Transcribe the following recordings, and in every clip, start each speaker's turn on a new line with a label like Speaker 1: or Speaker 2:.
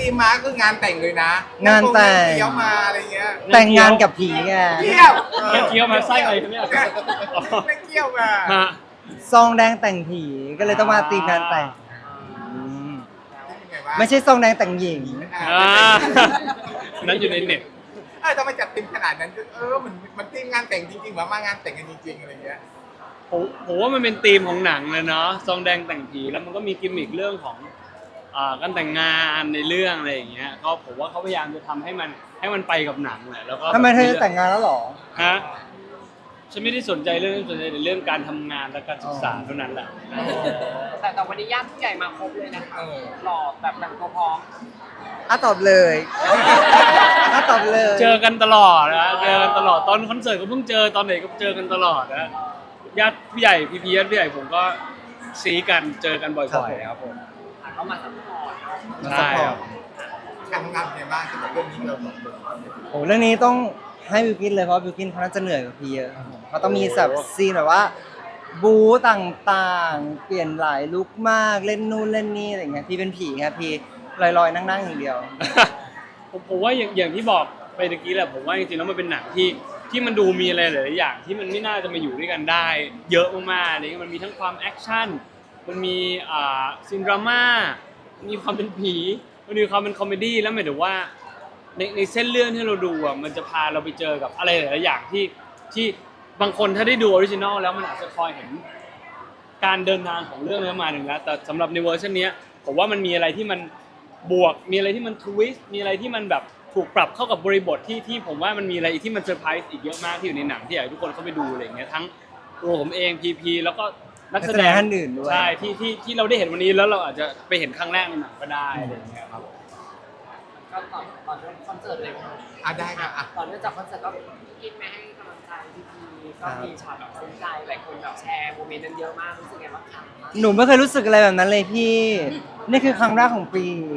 Speaker 1: ตีมมาคืองานแต่งเลยนะ
Speaker 2: งานแต่ง
Speaker 1: เที่ยวมาอะไรเงี้ย
Speaker 2: แต่งงานกับผีไง
Speaker 1: เที่ยว
Speaker 3: เคี้ยวมาไส้อะไรครับเนี่ย
Speaker 1: ไม่เที่ยวมา
Speaker 3: ฮะ
Speaker 2: ซองแดงแต่งผีก็เลยต้องมาตีมงานแต่งอืม
Speaker 1: เป็นไงวะ
Speaker 2: ไม่ใช่ซองแดงแต่งหญิง
Speaker 3: อ่านั้นอยู่ในเน็ต
Speaker 1: ทำไมจัดตีมขนาดนั้นมันตีมงานแต่งจริงๆมางานแต่งกันจริงๆอะไรเงี้ย
Speaker 3: ผมว่ามันเป็นธีมของหนังเลยเนาะซองแดงแต่งผีแล้วมันก็มีกิมมิคเรื่องของการแต่งงานในเรื่องอะไรอย่างเงี้ยก็ผมว่าเขาพยายามจะทำให้มันไปกับหนังแหละแล้วก็
Speaker 2: ทำไมเธอจะแต่งงานแล้วเหรอ
Speaker 3: ฮะฉันไม่ได้สนใจเรื่องนั้นสนใจในเรื่องการทำงานและการศึกษาเท่านั้นแหละ
Speaker 4: แต่วันนี้ญาติผู้ใหญ่มาครบเลยนะคะหล่อแบบแต่งตัวพร้อม
Speaker 2: ตอบเลยตอบเลย
Speaker 3: เจอกันตลอดนะเจอกันตลอดตอนคอนเสิร์ตก็เพิ่งเจอตอนไหนก็เจอกันตลอดนะญาติผู้ใหญ่พี่ญาติผู้ใหญ่ผมก็ซีกันเจอกันบ่อยๆครับผม
Speaker 4: เขามาซัพพอร์ต
Speaker 2: มาซัพพอร์ต
Speaker 1: การทำงานเป็นไงบ้างสำหรับเรื่องนี้เราสองคน
Speaker 2: โอ้เรื่องนี้ต้องให้บิวกินเลยเพราะบิวกินเขาน่าจะเหนื่อยกว่าพี่เยอะครับผมเขาต้องมีแบบซีนแบบว่า บู๊ต่างๆ เปลี่ยนหลายลุคมากเล่นนู่นเล่นนี่อะไรเงี้ยพี่เป็นผีครับพี่ลอยๆนั่งๆอย่างเดียว
Speaker 3: ผมว่าอย่างที่บอกไปตะกี้แหละผมว่าจริงๆแล้วมันเป็นหนังที่มันดูมีอะไรหลายๆอย่างที่มันไม่น่าจะมาอยู่ด้วยกันได้ เยอะมากๆอะไรเงี้ยมันมีทั้งความแอคชั่นมันมีซีนดราม่ามีความเป็นผีมันมีความเป็นคอมเมดี้แล้วหมายถึงว่าในเส้นเรื่องที่เราดูอ่ะมันจะพาเราไปเจอกับอะไรหลายๆอย่างที่บางคนถ้าได้ดูออริจินอลแล้วมันอาจจะคอยเห็นการเดินทางของเรื่องนี้มาหนึ่งแล้วแต่สำหรับในเวอร์ชันนี้ผมว่ามันมีอะไรที่มันบวกมีอะไรที่มันทวิสต์มีอะไรที่มันแบบถูกปรับเข้ากับบริบทที่ผมว่ามันมีอะไรที่มันเซอร์ไพรส์อีกเยอะมากที่อยู่ในหนังที่อยากให้ทุกคนเข้าไปดูอะไรอย่างเงี้ยทั้งตัวผมเองพีแล้วก็นักแสดง
Speaker 2: ท่านอื่นด้วย
Speaker 3: ใช่ที่เราได้เห็นวันนี้แล้วเราอาจจะไปเห็นครั้งแรกในหนังก็ได้อะไรอย่างเงี้ยครับ
Speaker 4: ก็ก่อนเริ่มคอนเสิร์ตเลยค่ะ
Speaker 1: ได้ครับ
Speaker 4: ก่อนเริ่มจากคอนเสิร์ตก็กินไม่ให้กำลังใจพี่ก็มีช็อตแบบซึ้งใจหลายคนแบบแชร์โมเมนต์นั้นเยอะมากรู้สึกไงบ้างคะ
Speaker 2: หนูไม่เคยรู้สึกอะไรแบบนั้นเลยพี่นี่คือครั้งแรกของปี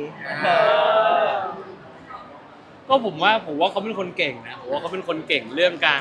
Speaker 3: ก็ผมว่าเขาเป็นคนเก่งนะผมว่าเขาเป็นคนเก่งเรื่องการ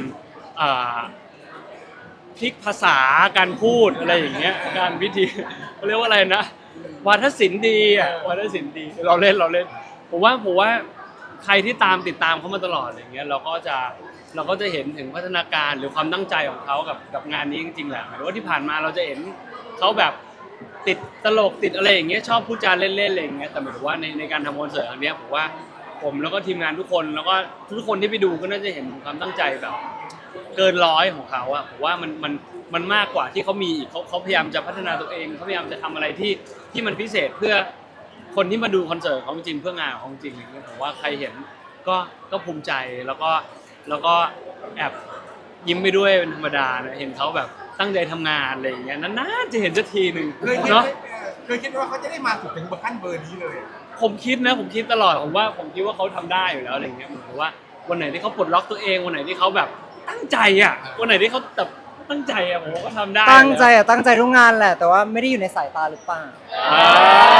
Speaker 3: พลิกภาษาการพูดอะไรอย่างเงี้ยการวิธีเขาเรียกว่าอะไรนะวาทศิลป์ดีอ่ะวาทศิลป์ดีเราเล่นผมว่าใครที่ติดตามเขามาตลอดอย่างเงี้ยเราก็จะเห็นถึงพัฒนาการหรือความตั้งใจของเขากับงานนี้จริงๆแหละหมายถึงว่าที่ผ่านมาเราจะเห็นเขาแบบติดตลกติดอะไรอย่างเงี้ยชอบพูดจาเล่นๆอะไรอย่างเงี้ยแต่หมายถึงว่าในการทำคอนเสิร์ตครั้งเนี้ยผมว่าผมแล้วก็ทีมงานทุกคนแล้วก็ทุกคนที่ไปดูก็น่าจะเห็นความตั้งใจแบบเกินร้อยของเขาอะผมว่ามันมากกว่าที่เขามีอีกเขาพยายามจะพัฒนาตัวเองเขาพยายามจะทำอะไรที่มันพิเศษเพื่อคนที่มาดูคอนเสิร์ตเขาจริงเพื่องานของจริงอย่างเงี้ยผมว่าใครเห็นก็ภูมิใจแล้วก็แอบยิ้มไปด้วยเป็นธรรมดานะเห็นเขาแบบตั้งใจทำงานอะไรอย่างเงี้ยนานๆจะเห็นสักทีหนึ่ง
Speaker 1: เนาะ
Speaker 3: เนาะ
Speaker 1: เคยคิดว่าเขาจะได้มาถึงขั้นเบอร์นี้เลย
Speaker 3: ผมคิดตลอดผมคิดว่าเขาทำได้อยู่แล้วอะไรเงี้ยเหมือนกับว่าวันไหนที่เขาปลดล็อกตัวเองวันไหนที่เขาแบบตั้งใจอ่ะวันไหนที่เขาแบบตั้งใจอ่ะผมว่าก็ทำได้
Speaker 2: ตั้งใจตั้งใจทุกงานแหละ แต่ว่าไม่ได้อยู่ในสายตาหรือเปล่า
Speaker 3: อ่า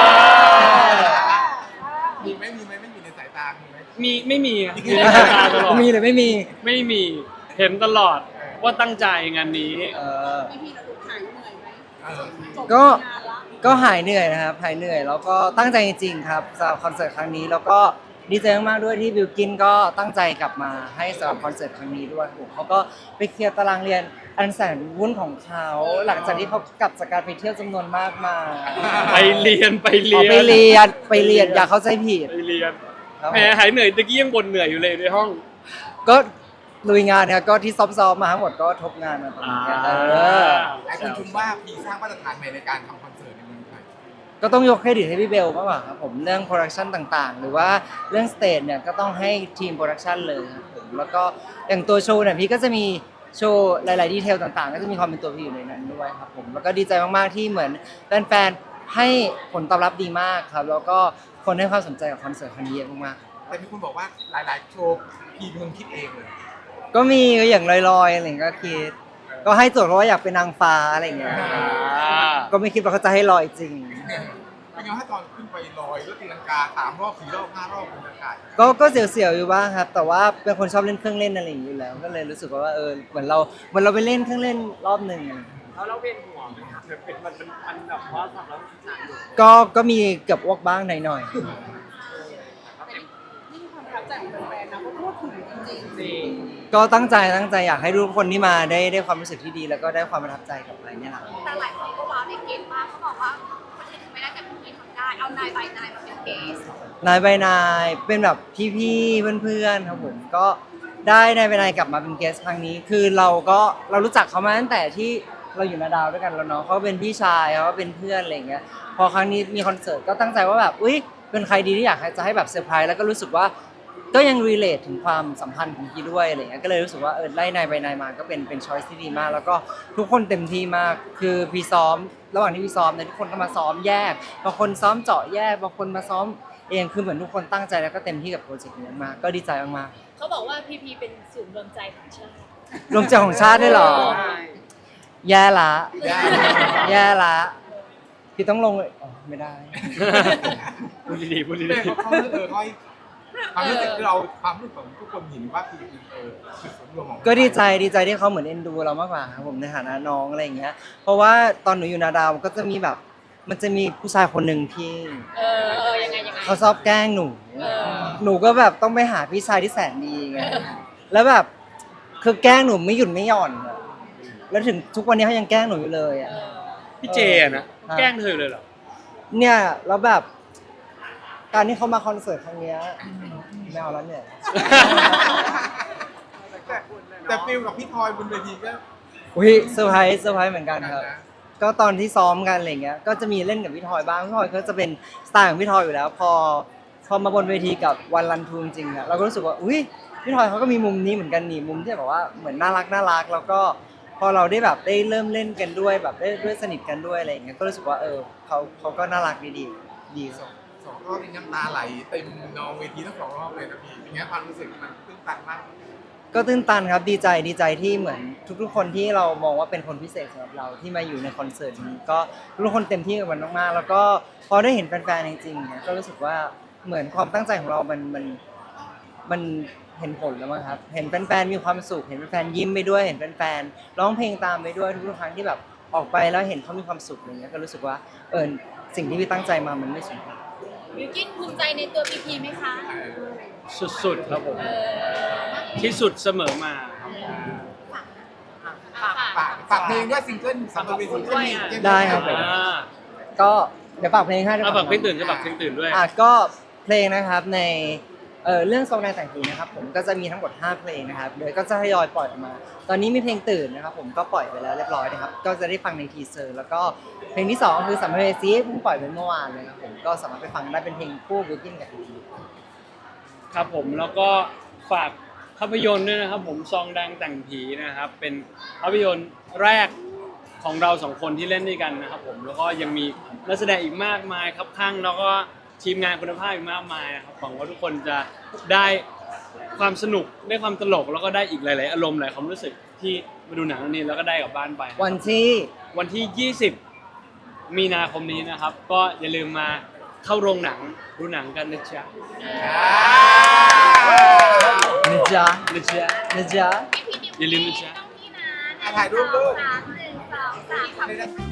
Speaker 1: มีไหมไม่มีในสายตามีไหม
Speaker 3: ไม่มีอะอยู่ในสายตาตลอด
Speaker 2: มีหรือไม่มี
Speaker 3: ไม่มีเห็นตลอดว่าตั้งใจงานนี้
Speaker 5: พี่พีเราดูหายเหนื่อยไหม
Speaker 1: เออ
Speaker 5: จบ
Speaker 2: ก็
Speaker 5: งานละ
Speaker 2: ก็หายเหนื่อยนะครับหายเหนื่อยแล้วก็ตั้งใจจริงๆครับสำหรับคอนเสิร์ตครั้งนี้แล้วก็ดีใจมากๆด้วยที่บิวกินก็ตั้งใจกลับมาให้สำหรับคอนเสิร์ตครั้งนี้ด้วยผมเขาก็ไปเคลียร์ตารางเรียนอันแสนวุ่นของเขาหลังจากที่เขากลับจากการไปเที่ยวจำนวนมากมา
Speaker 3: ไปเรียน
Speaker 2: อ๋อไปเรียนอย่าเข้าใจผิด
Speaker 3: ไปเรียน
Speaker 2: ครับ
Speaker 3: แหมหายเหนื่อยตะกี้ยังบ่นเหนื่อยอยู่เลยในห้อง
Speaker 2: ก็ลุยงานครับก็ที่ซ้อมๆมาทั้งหมดก็ทบงานมาตรงนี้อ
Speaker 1: หลายคนชมว่าพีสร้างมาตรฐานใหม่ในการทำคอนเสิร์ตในเมืองไทย
Speaker 2: ก็ต้องยกเครดิตให้พี่เบลมากกว่าครับผมเรื่องโปรดักชันต่างๆ หรือว่าเรื่องสเตจเนี่ยก็ต้องให้ทีมโปรดักชันเลยครับผมแล้วก็อย่างตัวโชว์เนี่ยพี่ก็จะมีโชว์หลายๆดีเทลต่างๆ ก็จะมีความเป็นตัวพี่อยู่ในนั้นด้วยครับผมแล้วก็ดีใจมากๆที่เหมือนแฟนๆให้ผลตอบรับดีมากครับแล้วก็คนให้ความสนใจกับคอนเสิร์ตครั้งนี้เยอะมากๆ
Speaker 1: แต่มีคนบอกว่าหลายๆโชว์พีมึงคิดเองเลย
Speaker 2: ก็มีอย่างลอยๆอะไรอย่างเงี้ยก็คิดก็ให้โจทย์เพราะว่าอยากเป็นนางฟ้าอะไรอย่างเงี้ยก็ไม่คิดว่าเขาจะให้ลอยจริง
Speaker 1: เป็นไงถ้าตอนขึ้นไปลอยรถตีลังกา3 รอบ 4 รอบ 5 รอบบนอากาศ
Speaker 2: ก็เสียวๆอยู่บ้างครับ แต่ว่าเป็นคนชอบเล่นเครื่องเล่นอะไรอย่างนี้อยู่แล้ว ก็เลยรู้สึกว่าเหมือนเราไปเล่นเครื่องเล่นรอบหนึ่งอะไรอย่างเงี้ย
Speaker 4: แล้วเราเวียนหัวไหมคะมันแบบว่าสำหรับหนักอยู่
Speaker 2: ก็มีเกือบอ้วกบ้างหน่อย
Speaker 5: จริง
Speaker 4: จริง
Speaker 2: ก็ตั้งใจอยากให้ทุกคนที่มาได้ความรู้สึกที่ดี แล้วก็ได้ความประทับใจกลับไปเนี่ยแหละ
Speaker 6: แต่หลายคนก็ว้าวในเกมมากเขาบอกว่าคนอื่นทำไม่ได้แต่พี่ทำได้ เอานายใบนายมาเป็นเกส
Speaker 2: นายใบนายเป็นแบบพี่ๆเพื่อนๆครับผมก็ได้นายใบนายกลับมาเป็นเกสครั้งนี้ คือเรารู้จักเขามาตั้งแต่ที่เราอยู่นาดาวด้วยกันแล้วเนาะเขาเป็นพี่ชายเขาเป็นเพื่อนอะไรอย่างเงี้ยพอครั้งนี้มีคอนเสิร์ตก็ตั้งใจว่าแบบอุ้ยเป็นใครดีที่อยากจะให้แบบเซอร์ไพรส์แล้วก็รู้สึกว่าก็ยังรีเลทถึงความสัมพันธ์ของพี่ด้วยอะไรเงี้ยก็เลยรู้สึกว่าไล่นายใบนายมาก็เป็นช้อยส์ที่ดีมาก แล้วก็ทุกคนเต็มที่มากคือพี่ซ้อมระหว่างที่พี่ซ้อมเนี่ยทุกคนก็มาซ้อมแยกบางคนซ้อมเจาะแยกบางคนมาซ้อมเองคือเหมือนทุกคนตั้งใจแล้วก็เต็มที่กับโปรเจกต์นี้มากก็ดีใจมาก
Speaker 7: เขาบอกว่าพีพีเป็นศูนย์รวมใจของชาติ
Speaker 2: ๆรวมใจของชาติได้เหรอ แย่ละ แย่ละพี่ต้องลงเลยอ๋อไม่ได้
Speaker 3: พูดดีๆพูดดี
Speaker 1: เขาให้ความรู้สึกเราความรู้สึกของทุกคนเห็นว่าคือคือส่วนรวมของ
Speaker 2: ก็ดีใจที่เขาเหมือนเอ็นดูเรามากกว่าครับผมในฐานะน้องอะไรอย่างเงี้ย เพราะว่าตอนหนูอยู่นาดาวก็จะมีแบบมันจะมีผู้ชายคนหนึ่งที่
Speaker 7: ยังไง
Speaker 2: เขาชอบแกล้งหนู หนูก็แบบต้องไปหาพี่ชายที่แสนดีไงแล้วแบบคือแกล้งหนูไม่หยุดไม่หย่อนอะแล้วถึงทุกวันนี้เขายังแกล้งหนูอยู่เลยอ่ะ
Speaker 3: ๆพี่เจอะนะแกล้งเธอเลยเหรอ
Speaker 2: เนี่ยแล้วแบบการที่เขามาคอนเสิร์ตครั้งเนี้ยไม่เอาแล้วเนี่ย
Speaker 1: แต่ฟิลกับพี่ทอยบนเวทีก็
Speaker 2: อุ้ยเซอร์ไพรส์เหมือนกันครับ ก็ตอนที่ซ้อมกันอะไรเงี้ย ก็จะมีเล่นกับพี่ทอยบ้างพี่ทอยก็จะเป็นสไตล์ของพี่ทอยอยู่แล้ว พอมาบนเวทีกับวันรันทูจริงๆอะเราก็รู้สึกว่าอุ้ยพี่ทอยเขาก็มีมุมนี้เหมือนกันนี่มุมที่แบบว่าเหมือนน่ารักแล้วก็พอเราได้แบบได้เริ่มเล่นกันด้วยแบบได้ด้วยสนิทกันด้วยอะไรอย่างเงี้ยก็รู้สึกว่าเขาก็น่ารักดี
Speaker 1: สองรอบนี้น้ำตาไหลเต็มนองเวทีทั้งสองรอบเลยนะพี่อย่างเงี้ยความรู้สึกมันตื้นตันมาก
Speaker 2: ก็ตื้นตันครับดีใจที่เหมือนทุกๆคนที่เรามองว่าเป็นคนพิเศษสำหรับเราที่มาอยู่ในคอนเสิร์ตนี้ก็ทุกคนเต็มที่กับมันมากๆแล้วก็พอได้เห็นแฟนๆจริงๆเนี่ยก็รู้สึกว่าเหมือนความตั้งใจของเรามันเห็นผลแล้วมั้งครับเห็นแฟนๆมีความสุขเห็นแฟนๆยิ้มไปด้วยเห็นแฟนๆร้องเพลงตามไปด้วยทุกๆครั้งที่แบบออกไปแล้วเห็นเขามีความสุขอะไรเงี้ยก็รู้สึกว่าสิ่งที่พี่ตั้งใจมามันไม่สูญเปล่า
Speaker 7: บิวกิ้นภูมิใจในตัวพีพีไหมคะ
Speaker 3: สุดๆครับผมที่สุดเสมอมาครับ
Speaker 1: ฝากเพลงด้วยซิงเกิลสำหรับเวทีก็มี
Speaker 2: ได้ครับผม ก็เดี๋ยวฝากเพลงให้ด้วย
Speaker 3: ฝากเพลงตื่นจะฝากเพลงตื่นด้วย
Speaker 2: ก็เพลงนะครับในเรื่องทรงในแต่งผีนะครับผมก็จะมีทั้งหมด5เพลงนะครับเดี๋ยวก็จะทยอยปล่อยออกมา ตอนนี้มีเพลงตื่นนะครับผมก็ปล่อยไปแล้วเรียบร้อยนะครับก็จะได้ฟังในทีเซอร์แล้วก็เพลงที่2ก็คือสัมภเวสีเพิ่งปล่อยไปเมื่อวานเลยครับผมก็สามารถไปฟังได้เป็นเพลงคู่บิวกิ้นกับพีพี
Speaker 3: ครับผมแล้วก็ฝากภาพยนตร์ด้วยนะครับผมซองแดงแต่งผีนะครับเป็นภาพยนตร์แรกของเราสองคนที่เล่นด้วยกันนะครับผมแล้วก็ยังมีนักแสดงอีกมากมายครับข้างแล้วก็ทีมงานคุณภาพอีกมากมายนะครับหวังว่าทุกคนจะได้ความสนุกได้ความตลกแล้วก็ได้อีกหลายๆอารมณ์หลายความรู้สึกที่มาดูหนังเรื่องนี้แล้วก็ได้กลับบ้านไปนะครับ
Speaker 2: วันที่
Speaker 3: 20 มีนาคมนี้นะครับ ก็อย่าลืมมาเข้าโรงหนังดูหนังกันนะจ๊ะ
Speaker 2: นะจ๊ะ
Speaker 3: นะจ๊ะ
Speaker 2: นะจ๊ะ
Speaker 6: พี่นิว
Speaker 3: อย่าลืมนะจ๊ะ
Speaker 6: ต้องพี่นะ
Speaker 1: ถ่ายรูปด้วย
Speaker 6: 1 2 3 4